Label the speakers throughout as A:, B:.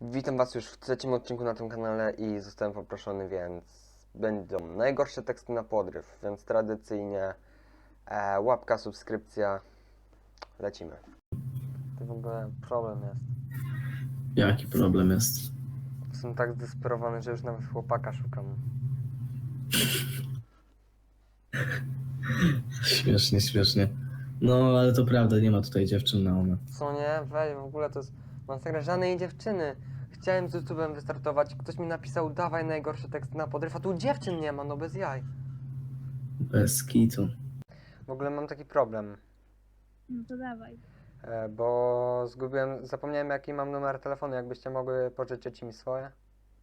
A: Witam Was już w trzecim odcinku na tym kanale i zostałem poproszony, więc będą najgorsze teksty na podryw, więc tradycyjnie łapka, subskrypcja, lecimy. To w ogóle problem jest.
B: Jaki problem jest?
A: Jestem tak zdesperowany, że już nawet chłopaka szukam.
B: Śmiesznie, śmiesznie. No, ale to prawda, nie ma tutaj dziewczyn na umę.
A: Co nie? Weź, w ogóle to jest masakra, żadnej dziewczyny. Chciałem z YouTube'em wystartować, ktoś mi napisał, dawaj najgorsze teksty na podryw, a tu dziewczyn nie ma, no bez jaj.
B: Bez kitu.
A: W ogóle mam taki problem.
C: No to dawaj.
A: Bo zapomniałem jaki mam numer telefonu, jakbyście mogły pożyczyć mi swoje.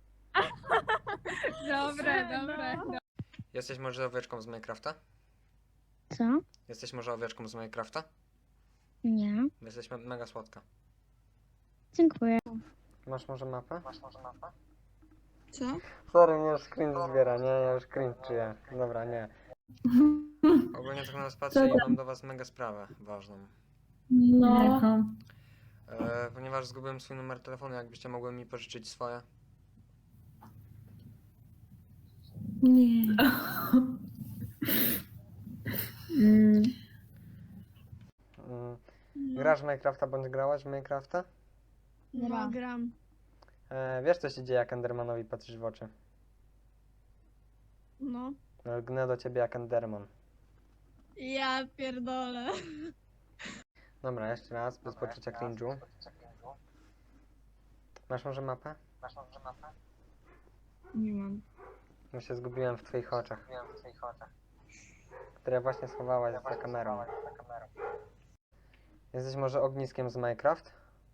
C: Dobre.
A: Jesteś może owieczką z Minecrafta?
C: Co?
A: Jesteś może owieczką z Minecrafta?
C: Nie.
A: Jesteś mega słodka.
C: Dziękuję.
A: Masz może mapę?
C: Co?
A: Sorry, mnie już cringe zbiera, nie, ja już cringe czuję. Dobra, nie. Ogólnie tak na nas patrzę i mam do was mega sprawę ważną.
C: No.
A: Ponieważ zgubiłem swój numer telefonu, jakbyście mogły mi pożyczyć swoje.
C: Nie.
A: Grasz w Minecrafta bądź grałaś w Minecrafta?
C: No, gram.
A: Wiesz co się dzieje, jak Endermanowi patrzysz w oczy?
C: No.
A: Lgnę do ciebie jak Enderman.
C: Ja pierdolę.
A: Dobra, jeszcze raz, bez poczucia cringe'u. Masz może mapę?
C: Nie mam.
A: Ja się zgubiłem w twoich oczach. Które właśnie schowałaś za kamerą. Jesteś może ogniskiem z Minecraft?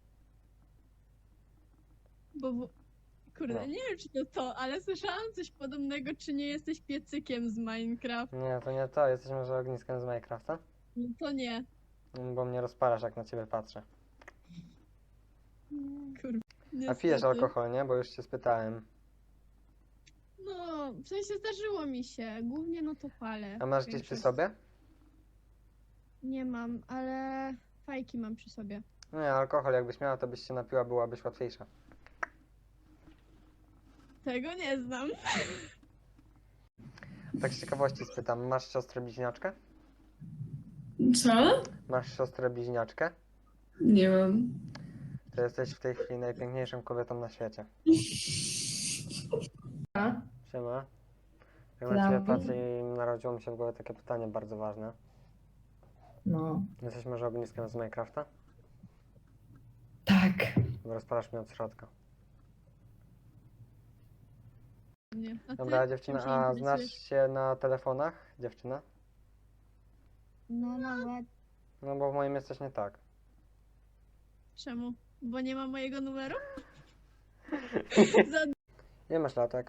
C: Kurde,
A: No.
C: nie wiem czy to, ale słyszałam coś podobnego, czy nie jesteś piecykiem z Minecraft.
A: Nie, to nie to. Jesteś może ogniskiem z Minecrafta?
C: No to nie.
A: Bo mnie rozpalasz, jak na ciebie patrzę.
C: Kurde.
A: A pijesz
C: niestety.
A: alkohol, nie? Bo już cię spytałem.
C: No, w sensie zdarzyło mi się. Głównie no to palę.
A: A masz gdzieś przy
C: Większość.
A: sobie?
C: Nie mam, ale fajki mam przy sobie.
A: Nie, alkohol jakbyś miała, to byś się napiła, byłabyś łatwiejsza.
C: Tego nie znam.
A: Tak z ciekawości spytam, masz siostrę bliźniaczkę?
D: Co?
A: Masz siostrę bliźniaczkę?
D: Nie mam.
A: To jesteś w tej chwili najpiękniejszą kobietą na świecie.
D: A?
A: Siema. Jak na ciebie
D: Prawda?
A: patrzę i narodziło mi się w głowie takie pytanie bardzo ważne.
D: No.
A: Jesteś może ogniskiem z Minecrafta?
D: Tak.
A: Bo rozpalasz mnie od środka.
C: Nie. A ty?
A: Dobra, dziewczyna,
C: Czym się
A: a
C: interesujesz?
A: znasz się na telefonach, dziewczyna?
C: No nawet.
A: No bo w moim jest coś nie tak.
C: Czemu? Bo nie ma mojego numeru? Za
A: Ile masz latek?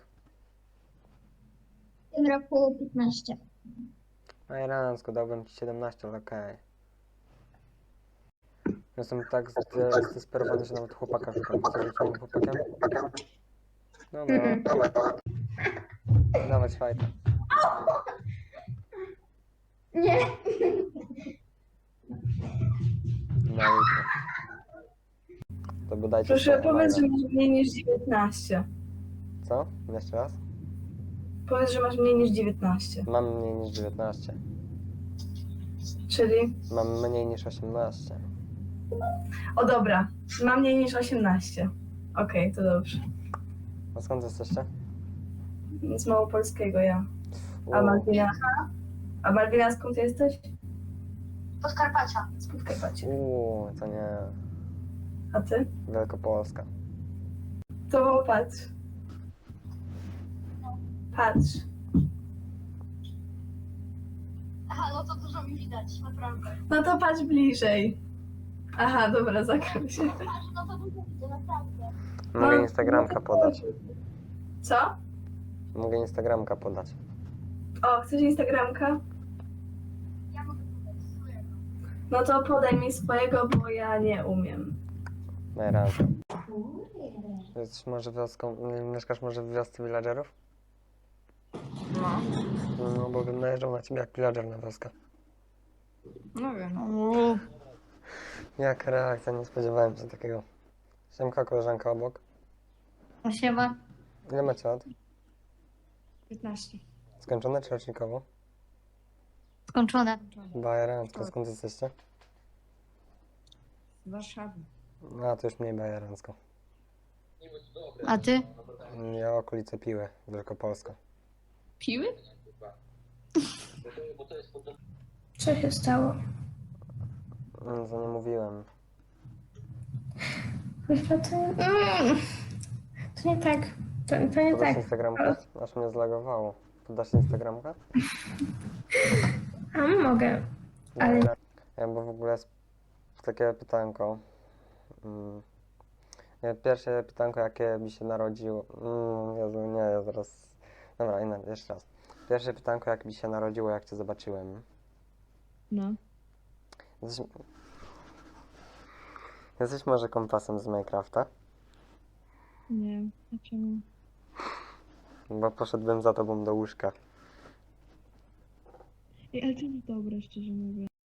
E: W tym roku 15.
A: Ajrancko, dałbym ci 17, ale okej. Jestem tak zdesperowany, że nawet chłopaka szukam. Chcesz być moim chłopakiem? Dobra. Dawać fajta.
E: Nie.
A: Na jutro. To bodajcie
D: Proszę
A: swoje
D: powiedz, że
A: maile.
D: masz mniej niż 19.
A: Co? Jeszcze raz?
D: Powiedz, że masz mniej niż 19.
A: Mam mniej niż 19.
D: Czyli?
A: Mam mniej niż 18.
D: O dobra, mam mniej niż 18. Okej, to dobrze.
A: A skąd jesteście?
D: Z małopolskiego ja. A
A: U,
D: Malwina? A Malwina skąd jesteś?
E: Podkarpacia.
D: Z Podkarpacia.
A: to nie.
D: A ty?
A: Wielkopolska.
D: To patrz. Patrz.
E: Aha, no to dużo mi widać, naprawdę.
D: No to patrz bliżej. Aha, dobra, zakrył się.
E: Aż no to dużo widzę, naprawdę.
A: Mogę Instagramka podać.
D: Co?
A: Mogę Instagramka podać.
D: O, chcesz Instagramka?
E: Ja mogę podać swojego.
D: No to podaj mi swojego, bo ja nie umiem.
A: Najrazy. Jesteś może wioską, mieszkasz może w wiosce villagerów?
D: No.
A: No, bo bym najeżdżał na ciebie jak villager na wioskę.
D: No wiem.
A: Jaka reakcja, nie spodziewałem się takiego. Siemka, koleżanka obok.
F: No siema.
A: Ile macie lat?
C: 15.
A: Skończone czy rocznikowo?
F: Skończone.
A: Bajerancko. Skąd jesteście?
C: Z Warszawy.
A: A, to już mniej bajerancko.
F: A ty?
A: Ja okolice Piły, Wielkopolska.
C: Piły?
D: Co się stało?
A: Co nie mówiłem.
D: Chyba to nie... To nie tak. To nie
A: Podasz
D: tak.
A: Instagramkę? Aż mnie zlagowało. Podasz Instagramkę?
D: A mogę. Ale-
A: Ja, bo w ogóle jest takie pytanko. Pierwsze pytanko, jakie mi się narodziło. Jezu, nie, ja zaraz. Dobra, jeszcze raz. Pierwsze pytanko, jak mi się narodziło, jak cię zobaczyłem.
C: No.
A: Jesteś może kompasem z Minecrafta?
C: Nie. A czemu?
A: Bo poszedłbym za tobą do łóżka.
C: Ej, ale to nie dobre, szczerze mówiąc.